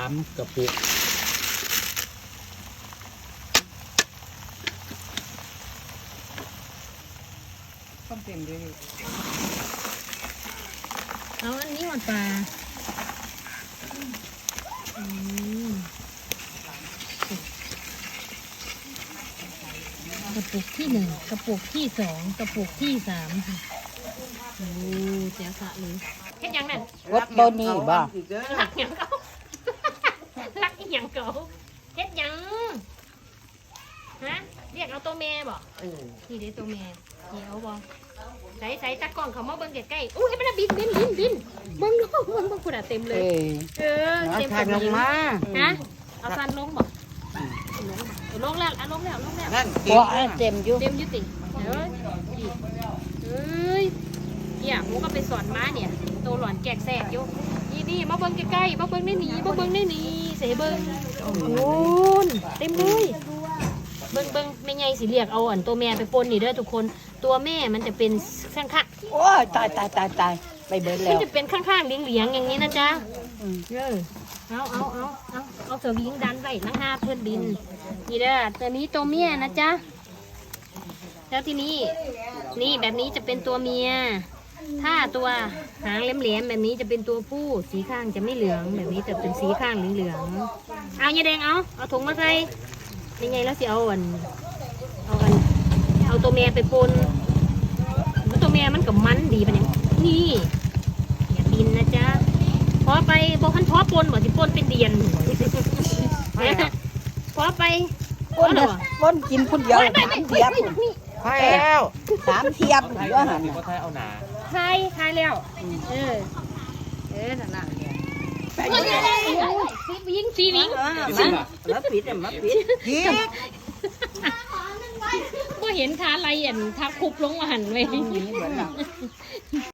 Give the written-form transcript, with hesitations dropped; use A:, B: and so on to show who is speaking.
A: 3 กระปุก
B: ต้องเต็มด้วย
C: เอาอันนี้หมดปลากระปุกที่1กระปุกที่2กระปุกที่3ค่ะโอ้เสียสะเลยเฮ็ดยังนั่น
B: วัดต้นนี้บ่
C: รักหยังเขารักอีหยังเขาเฮ็ดหยังฮะเรียกเอาตัวแม่บ่นี่เด้ตัวแม่นี่เอาบ่ใส่จักกล่องเขามาเบิ่งใกล้ๆอู้ให้มันบินเบิ่งดูเบิ่งคุณอ่ะเต็มเลยเต็ม
B: ทานลงมา
C: ฮะเอาฟันลงบ่ลงแล้วลงแล้ว
B: นั่นเต็มอยู่
C: เต็มยุติเอ้ยเนี่ยหมูก็ไปสอนม้าเนี่ยโตหลอนแกกแสกอยู่นี่มาเบิ่งใกล้ๆมาเบิ่งได้หนีเสเบิ่งโอ้ยเต็มเลยเบิ่งแม่ใหญ่สิเรียกเอาอันตัวแม่ไปปนนี่เด้อทุกคนตัวแม่มันจะเป็นข้างๆ
B: โอ้ยตายไปเบิดแล้
C: มัน
B: ว
C: จะเป็นข้างๆเหลียงๆอย่างนี้นะจ๊ะเอาสวิงดันไว้นั่งห้าเพื่อนบินนี่เด้อตัวนี้ตัวเมียนะจ๊ะแล้วทีนี้นี่แบบนี้จะเป็นตัวเมียถ้าตัวหางแหลมๆแบบนี้จะเป็นตัวผู้สีข้างจะไม่เหลืองแบบนี้จะเป็นสีข้างเหลืองๆเอายาแดงเอาถุงมาใส่ยังไงแล้วสิเอาตัวเมียไปปนตัวเมียมันกับมันดีปะเนี่ยนี่อย่าบินนะจ๊ะพอไปบอกขันพอปนบอกสิปนเป็นเดียนพอไป
B: ป้นกินคนเดียว3 เทียบไปแล้ว3 เทียบเยอะหัน
A: ก็ใช้เอาหนา
C: ทายแล้วนั่นน่ะสีวิง
B: มาปิด
C: ก็เห็นทาไรทาคุบลงมาหันไว้